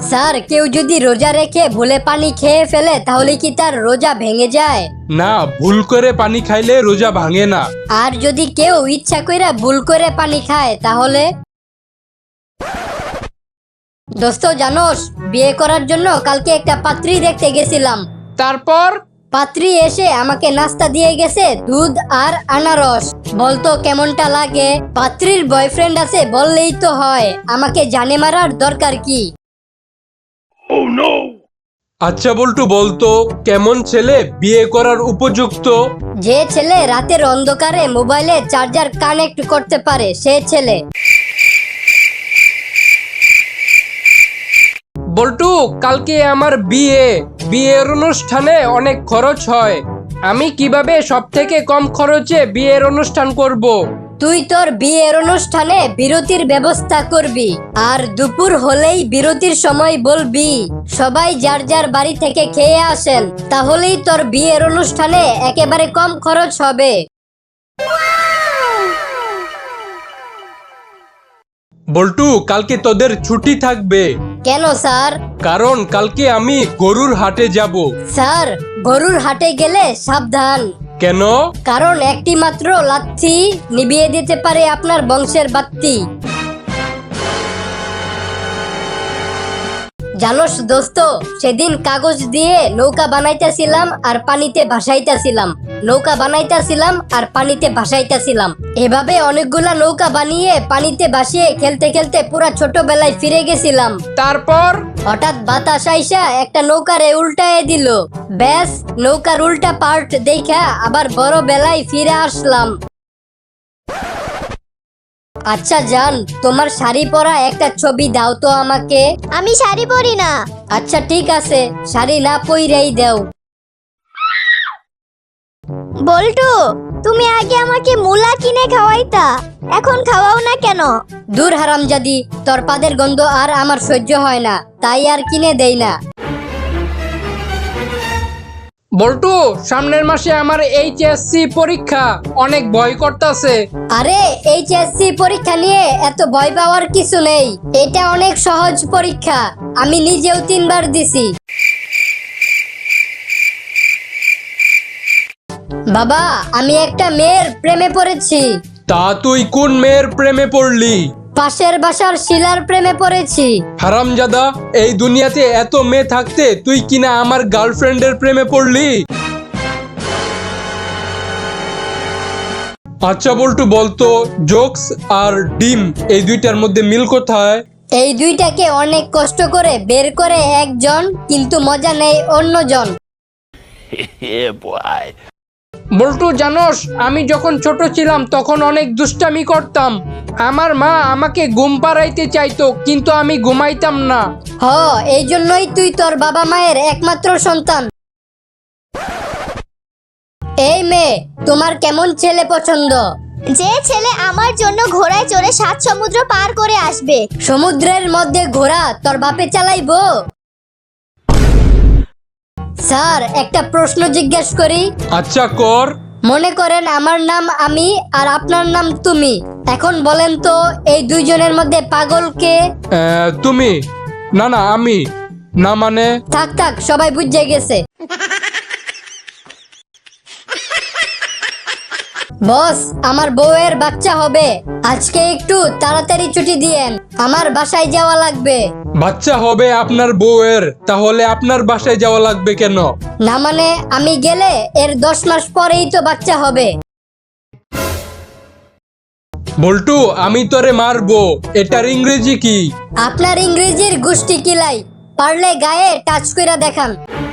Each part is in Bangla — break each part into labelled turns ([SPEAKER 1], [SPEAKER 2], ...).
[SPEAKER 1] স্যার, কেউ যদি রোজা রেখে ভুলে পানি খেয়ে ফেলে তাহলে কি তার রোজা ভেঙে যায়?
[SPEAKER 2] না, ভুল করে পানি খাইলে রোজা ভাঙে না।
[SPEAKER 1] আর যদি কেউ ইচ্ছা কইরা ভুল করে পানি খায় তাহলে? দোস্ত জানোস, বিয়ে করার জন্য কালকে একটা পাত্রী দেখতে গেছিলাম।
[SPEAKER 2] তারপর?
[SPEAKER 1] পাত্রী এসে আমাকে নাস্তা দিয়ে গেছে দুধ আর আনারস। বলতো কেমনটা লাগে? পাত্রীর বয়ফ্রেন্ড আছে বললেই তো হয়, আমাকে জানে মারার দরকার কি?
[SPEAKER 2] আচ্ছা বল্টু, বলতো কেমন ছেলে বিয়ে করার উপযুক্ত?
[SPEAKER 1] যে ছেলে রাতের অন্ধকারে মোবাইলে চার্জার কানেক্ট করতে পারে সে ছেলে।
[SPEAKER 2] বল্টু, কালকে আমার বিয়ের অনুষ্ঠানে অনেক খরচ হয়। আমি কিভাবে সব থেকে কম খরচে বিয়ের অনুষ্ঠান করব?
[SPEAKER 1] তুই তোর বিয়ের অনুষ্ঠানে বিরতির ব্যবস্থা করবি, আর দুপুর হলেই বিরতির সময় বলবি সবাই যার যার বাড়ি থেকে খেয়ে আসেন, তাহলেই তোর বিয়ের অনুষ্ঠানে একেবারে কম খরচ হবে।
[SPEAKER 2] বল্টু, কালকে তোদের ছুটি থাকবে।
[SPEAKER 1] কেন স্যার?
[SPEAKER 2] কারণ কালকে আমি গরুর হাটে যাব।
[SPEAKER 1] স্যার, গরুর হাটে গেলে সাবধান।
[SPEAKER 2] কেন?
[SPEAKER 1] কারণ একটি মাত্র লাথি নিভিয়ে দিতে পারে আপনার বংশের বাত্তি। জানোস দোস্ত, সেদিন কাগজ দিয়ে নৌকা বানাইতেছিলাম আর পানিতে ভাসাইতেছিলাম, নৌকা বানাইতেছিলাম আর পানিতে ভাসাইতেছিলাম। এভাবে অনেকগুলা নৌকা বানিয়ে পানিতে ভাসিয়ে খেলতে খেলতে পুরা ছোটবেলায় ফিরে গেছিলাম।
[SPEAKER 2] তারপর?
[SPEAKER 1] হঠাৎ বাতাস আইসা একটা নৌকারে উল্টায় দিল। ব্যাস, নৌকার উল্টা পার্ট দেখা আবার বড় বেলায় ফিরে আসলাম। আচ্ছা জান, তোমার শাড়ি পরা একটা ছবি দাও তো আমাকে।
[SPEAKER 3] আমি শাড়ি পরি না।
[SPEAKER 1] আচ্ছা ঠিক আছে, শাড়ি না পইরাই দাও।
[SPEAKER 3] বল্টু, তুমি আগে আমাকে মুলা কিনে খাওয়াইতা, এখন খাওয়াও না কেন?
[SPEAKER 1] দূর হারামজাদি, তোর পাদের গন্ধ আর আমার সহ্য হয় না, তাই আর কিনে দেই না।
[SPEAKER 2] বল্টু, সামনের মাসে আমার এইচএসসি পরীক্ষা, অনেক ভয় করতেছে।
[SPEAKER 1] আরে এইচএসসি পরীক্ষা নিয়ে এত ভয় পাওয়ার কিছু নেই, এটা অনেক সহজ পরীক্ষা, আমি নিজেও 3 বার দিছি। বাবা, আমি একটা মেয়ের প্রেমে পড়েছি।
[SPEAKER 2] তা তুই কোন মেয়ের প্রেমে পড়লি?
[SPEAKER 1] পাশের বাসার শিলার প্রেমে পড়েছি।
[SPEAKER 2] হারামজাদা, এই দুনিয়াতে এত মেয়ে থাকতে তুই কিনা আমার গার্লফ্রেন্ডের প্রেমে পড়লি? আচ্ছা বল্টু, বলতো জোকস আর ডিম এই দুইটার মধ্যে মিল কোথায়?
[SPEAKER 1] এই দুইটাকে অনেক কষ্ট করে বের করে একজন, কিন্তু মজা নেই অন্যজন।
[SPEAKER 2] বল্টু জানোস, আমি যখন ছোট ছিলাম তখন অনেক দুষ্টামি করতাম। আমার মা আমাকে ঘুম পাড়াইতে চাইতো, কিন্তু আমি ঘুমাইতাম না।
[SPEAKER 1] এই জন্যই তুই তোর বাবা মায়ের একমাত্র সন্তান। এই মেয়ে, তোমার কেমন ছেলে পছন্দ?
[SPEAKER 3] যে ছেলে আমার জন্য ঘোড়ায় চড়ে 7 সমুদ্র পার করে আসবে।
[SPEAKER 1] সমুদ্রের মধ্যে ঘোড়া তোর বাপে চালাইবো? স্যার, একটা প্রশ্ন জিজ্ঞেস করি?
[SPEAKER 2] আচ্ছা কর।
[SPEAKER 1] মনে করেন আমার নাম আমি আর আপনার নাম তুমি, এখন বলেন তো এই দুইজনের মধ্যে পাগল কে?
[SPEAKER 2] তুমি। না না, আমি। না মানে?
[SPEAKER 1] থাক থাক, সবাই বুঝে গেছে। বস, আমার বউয়ের বাচ্চা হবে, আজকে একটু তাড়াতাড়ি ছুটি দিয়েন, আমার বাসায় যাওয়া লাগবে।
[SPEAKER 2] বাচ্চা হবে আপনার বউয়ের? তাহলে আপনার বাসায় যাওয়া লাগবে কেন?
[SPEAKER 1] না মানে, আমি গেলে এর 10 মাস পরেই তো বাচ্চা হবে।
[SPEAKER 2] বল্টু, আমি তোরে মারবো, এটার ইংরেজি কি?
[SPEAKER 1] আপনার ইংরেজির গুষ্টি কিলাই, পারলে গায়ে টাচ কইরা দেখান।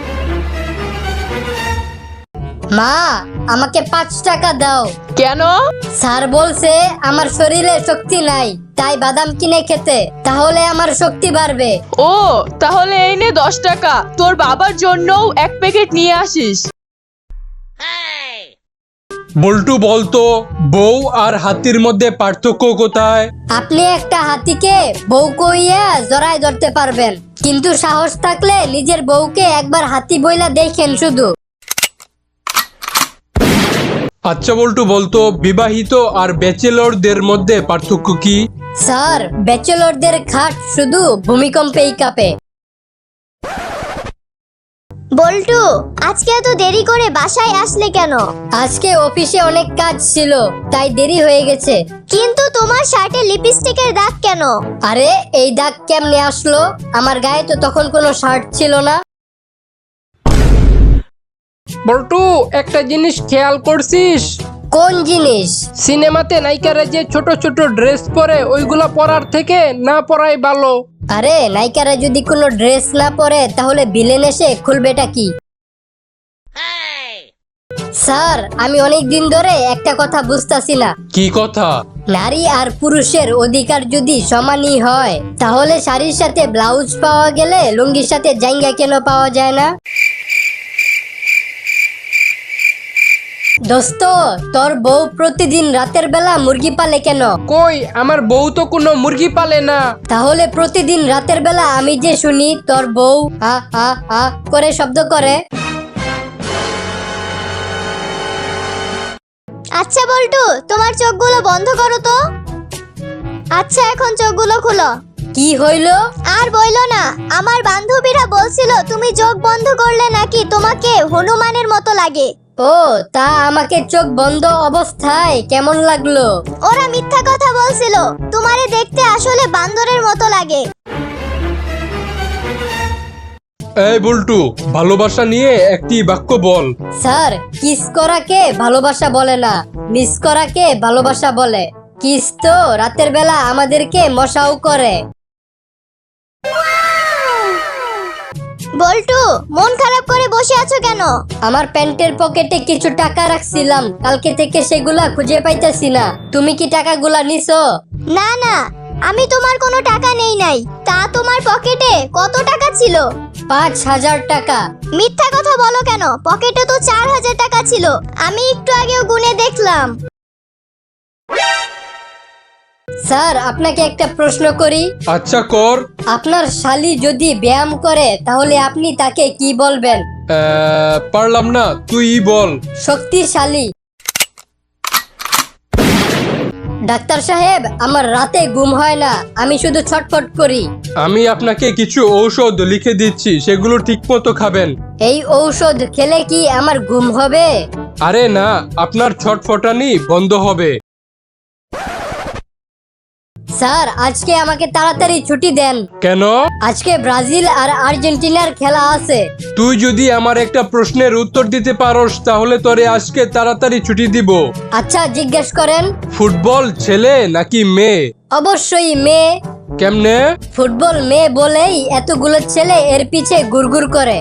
[SPEAKER 1] মা, আমাকে 5 টাকা দাও।
[SPEAKER 4] কেন?
[SPEAKER 1] স্যার বলছে আমার শরীরে শক্তি নাই, তাই বাদাম কিনে খেতে, তাহলে আমার শক্তি বাড়বে।
[SPEAKER 4] ও, তাহলে এই নে 10 টাকা, তোর বাবার জন্যও 1 প্যাকেট নিয়ে আসিস।
[SPEAKER 2] বল্টু, বলতো বউ আর হাতির মধ্যে পার্থক্য কোথায়?
[SPEAKER 1] আপনি একটা হাতিকে বউ কইয়া জড়ায় ধরতে পারবেন, কিন্তু সাহস থাকলে নিজের বউকে একবার হাতি বইলা দেখেন শুধু।
[SPEAKER 2] আচ্ছা বল্টু, বলতো বিবাহিত আর ব্যাচেলরদের মধ্যে পার্থক্য কি?
[SPEAKER 1] স্যার, ব্যাচেলরদের খাট শুধু ভূমিকম্পেই কাঁপে,
[SPEAKER 3] বল্টু, আজকে এত দেরি করে বাসায় আসলে কেন?
[SPEAKER 1] আজকে অফিসে অনেক কাজ ছিল, তাই দেরি হয়ে গেছে।
[SPEAKER 3] কিন্তু তোমার শার্টে লিপস্টিকের দাগ কেন?
[SPEAKER 1] আরে এই দাগ কেমনে আসলো? আমার গায়ে তো তখন কোনো শার্ট ছিল না।
[SPEAKER 2] বল্টু, একটা জিনিস খেয়াল করছিস?
[SPEAKER 1] কোন জিনিস?
[SPEAKER 2] সিনেমাতে নায়িকারা যে ছোট ছোট ড্রেস পরে, ওইগুলা পরার থেকে না পরাই ভালো।
[SPEAKER 1] আরে নায়িকারা যদি কোনো ড্রেস না পরে তাহলে ভিলেন এসে খুলবেটা কি? স্যার, আমি অনেক দিন ধরে একটা কথা বুঝতাছি না।
[SPEAKER 2] কি কথা?
[SPEAKER 1] নারী আর পুরুষের অধিকার যদি সমানই হয়, তাহলে শাড়ির সাথে ব্লাউজ পাওয়া গেলে লুঙ্গির সাথে জাঙ্গা কেন পাওয়া যায় না? দোস্ত, তোর বউ প্রতিদিন রাতের বেলা মুরগি পালে কেন?
[SPEAKER 2] কই, আমার বউ তো কোনো মুরগি পালে না।
[SPEAKER 1] তাহলে প্রতিদিন রাতের বেলা আমি যে শুনি তোর বউ হা হা হা করে শব্দ করে।
[SPEAKER 3] আচ্ছা বল্টু, তোমার চোখগুলো বন্ধ করো তো। আচ্ছা, এখন চোখগুলো খুলো।
[SPEAKER 1] কি হইলো?
[SPEAKER 3] আর বইলো না, আমার বান্ধবীরা বলছিল তুমি চোখ বন্ধ করলে নাকি তোমাকে হনুমানের মতো লাগে।
[SPEAKER 1] ও, তা আমাকে চোখ বন্ধ অবস্থায় কেমন লাগলো?
[SPEAKER 3] ওরা মিথ্যা কথা বলছিল, তোমারে দেখতে আসলে বান্দরের মতো লাগে।
[SPEAKER 2] এই বল্টু, ভালোবাসা নিয়ে একটি বাক্য বল।
[SPEAKER 1] স্যার, কিস করাকে ভালোবাসা বলে না, মিস করাকে ভালোবাসা বলে। কিস তো রাতের বেলা আমাদেরকে মশাও করে।
[SPEAKER 3] বল্টু, মন খারাপ করে বসে আছো কেন?
[SPEAKER 1] আমার প্যান্টের পকেটে কিছু টাকা রাখছিলাম, কালকে থেকে সেগুলা খুঁজে পাইতেছি না। তুমি কি টাকাগুলা নিছো?
[SPEAKER 3] না না, আমি তোমার কোনো টাকা নেই নাই। তা তোমার পকেটে কত টাকা ছিল?
[SPEAKER 1] 5,000 টাকা।
[SPEAKER 3] মিথ্যা কথা বলো কেন? পকেটে তো 4,000 টাকা ছিল, আমি একটু আগেও গুনে দেখলাম।
[SPEAKER 1] স্যার, আপনাকে একটা প্রশ্ন করি।
[SPEAKER 2] আচ্ছা কর।
[SPEAKER 1] আপনার শালি যদি ব্যায়াম করে তাহলে আপনি তাকে কি বলবেন?
[SPEAKER 2] পারলাম না, তুই বল।
[SPEAKER 1] শক্তিশালী। ডাক্তার সাহেব, আমার রাতে ঘুম হয় না, আমি শুধু ছটফট করি।
[SPEAKER 2] আমি আপনাকে কিছু ঔষধ লিখে দিচ্ছি, সেগুলো ঠিক মতো খাবেন।
[SPEAKER 1] এই ঔষধ খেলে কি আমার ঘুম হবে?
[SPEAKER 2] আরে না, আপনার ছটফটানি বন্ধ হবে।
[SPEAKER 1] স্যার, আজকে আমাকে তাড়াতাড়ি ছুটি দেন।
[SPEAKER 2] কেন?
[SPEAKER 1] আজকে ব্রাজিল আর আর্জেন্টিনার খেলা আছে।
[SPEAKER 2] তুই যদি আমার একটা প্রশ্নের উত্তর দিতে পারোস তাহলে তোরে আজকে তাড়াতাড়ি ছুটি দিব।
[SPEAKER 1] আচ্ছা, জিজ্ঞেস করেন।
[SPEAKER 2] ফুটবল ছেলে নাকি মেয়ে?
[SPEAKER 1] অবশ্যই মেয়ে।
[SPEAKER 2] কেমনে?
[SPEAKER 1] ফুটবল মেয়ে বলেই এতগুলো ছেলে এর পিছে ঘুরঘুর করে।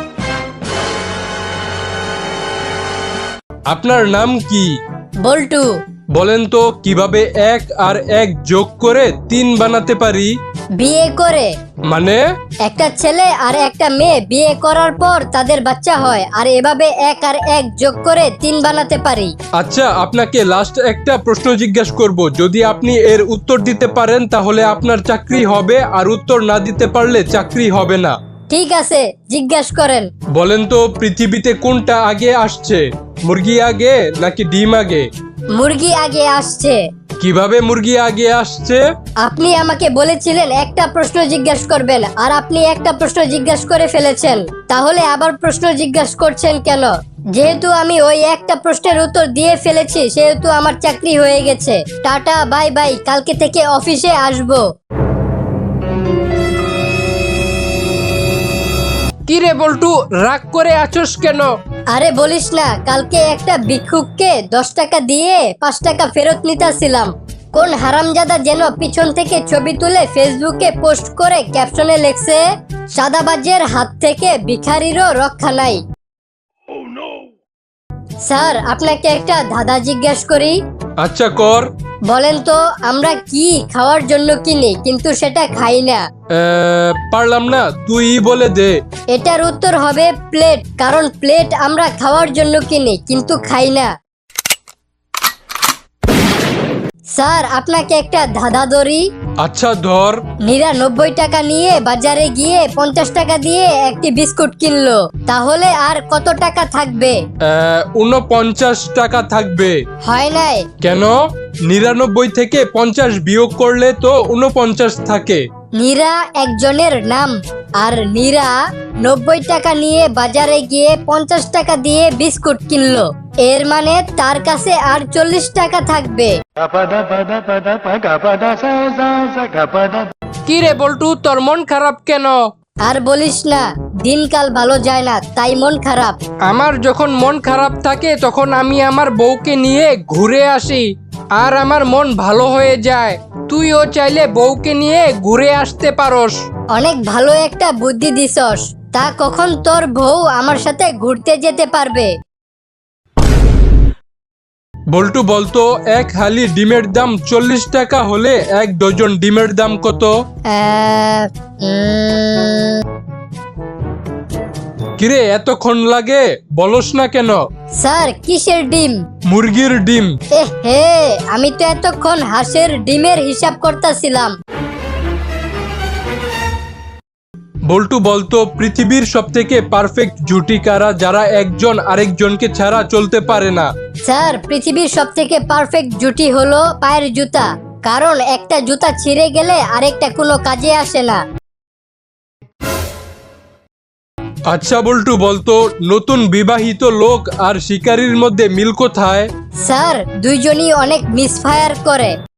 [SPEAKER 2] আপনার নাম কি?
[SPEAKER 1] বল্টু।
[SPEAKER 2] বলেন তো কিভাবে 1 আর 1 যোগ করে 3 বানাতে পারি?
[SPEAKER 1] বিয়ে করে।
[SPEAKER 2] মানে?
[SPEAKER 1] একটা ছেলে আর একটা মেয়ে বিয়ে করার পর তাদের বাচ্চা হয়, আর এভাবে 1 আর 1 যোগ করে 3 বানাতে পারি।
[SPEAKER 2] আচ্ছা, আপনাকে লাস্ট একটা প্রশ্ন জিজ্ঞাসা করব, যদি আপনি এর উত্তর দিতে পারেন তাহলে আপনার চাকরি হবে, আর উত্তর না দিতে পারলে চাকরি হবে না।
[SPEAKER 1] ঠিক আছে, জিজ্ঞাসা করেন।
[SPEAKER 2] বলেন তো পৃথিবীতে কোনটা আগে আসছে, মুরগি আগে নাকি ডিম আগে?
[SPEAKER 1] মুরগি আগে আসছে।
[SPEAKER 2] কিভাবে মুরগি আগে আসছে?
[SPEAKER 1] আপনি আমাকে বলেছিলেন একটা প্রশ্ন জিজ্ঞাসা করবেন, আর আপনি একটা প্রশ্ন জিজ্ঞাসা করে ফেলেছেন। তাহলে আবার প্রশ্ন জিজ্ঞাসা করছেন কেন? যেহেতু আমি ওই একটা প্রশ্নের উত্তর দিয়ে ফেলেছি, সেহেতু আমার চাকরি হয়ে গেছে। টাটা, বাই বাই, কালকে থেকে অফিসে আসবো।
[SPEAKER 2] কি রে বল্টু, রাগ করে আছোস কেন?
[SPEAKER 1] আরে বলিস না, কালকে একটা ভিক্ষুককে 10 টাকা দিয়ে 5 টাকা ফেরত নিতেছিলাম। কোন হারামজাদা যেন পিছন থেকে ছবি তুলে ফেসবুকে পোস্ট করে ক্যাপশনে লেখছে, সাদাবাজের হাত থেকে ভিখারিরও রক্ষা নাই। স্যার, আপনাকে একটা ধাঁধা জিজ্ঞেস করি।
[SPEAKER 2] আচ্ছা কর।
[SPEAKER 1] বলেন তো, আমরা কি খাওয়ার জন্য কিনি কিন্তু সেটা খাই না?
[SPEAKER 2] পারলাম না, তুই বলে দে।
[SPEAKER 1] এটার উত্তর হবে প্লেট, কারণ প্লেট আমরা খাওয়ার জন্য কিনি কিন্তু খাই না। স্যার, আপনাকে একটা ধাঁধা ধরি।
[SPEAKER 2] আচ্ছা ধর।
[SPEAKER 1] 99 টাকা নিয়ে বাজারে গিয়ে 50 টাকা দিয়ে একটি বিস্কুট কিনলো, তাহলে আর কত টাকা থাকবে?
[SPEAKER 2] 49 টাকা থাকবে।
[SPEAKER 1] হয় নাই।
[SPEAKER 2] কেন? 99 থেকে 50 বিয়োগ করলে তো 49 থাকে।
[SPEAKER 1] নীরা একজনের নাম। আর নীরা 90 টাকা নিয়ে বাজারে গিয়ে 50 টাকা দিয়ে বিস্কুট কিনলো। এর মানে তার কাছে আর 40 টাকা থাকবে।
[SPEAKER 2] কি রে বল্টু, তোর মন খারাপ কেন?
[SPEAKER 1] আর বলিস না, দিনকাল ভালো যায় না, তাই মন খারাপ।
[SPEAKER 2] আমার যখন মন খারাপ থাকে তখন আমি আমার বউকে নিয়ে ঘুরে আসি আর আমার মন ভালো হয়ে যায়। তুইও চাইলে বউকে নিয়ে ঘুরে আসতে পারোস।
[SPEAKER 1] অনেক ভালো একটা বুদ্ধি দিছস। তা কখন তোর বউ আমার সাথে ঘুরতে যেতে পারবে?
[SPEAKER 2] বল্টু বলতো, এক হালি ডিমের দাম 40 টাকা হলে 1 ডজন ডিমের দাম কত? কিরে এতক্ষণ লাগে, বলস না কেন?
[SPEAKER 1] স্যার, কিসের ডিম?
[SPEAKER 2] মুরগির ডিম।
[SPEAKER 1] হে, আমি তো এতক্ষণ হাঁসের ডিমের হিসাব করতেছিলাম।
[SPEAKER 2] বল্টু বলতো, পৃথিবীর সবথেকে পারফেক্ট জুটি কারা, যারা একজন আরেকজনকে ছাড়া চলতে পারে না?
[SPEAKER 1] স্যার, পৃথিবীর সব থেকে পারফেক্ট জুটি হলো পায়ের জুতা। কারণ একটা জুতা ছিঁড়ে গেলে আরেকটা কোনো কাজে আসে না।
[SPEAKER 2] আচ্ছা বল্টু বলতো, নতুন বিবাহিত লোক আর শিকারীর মধ্যে মিল কোথায়?
[SPEAKER 1] স্যার, দুইজনই অনেক মিসফায়ার করে।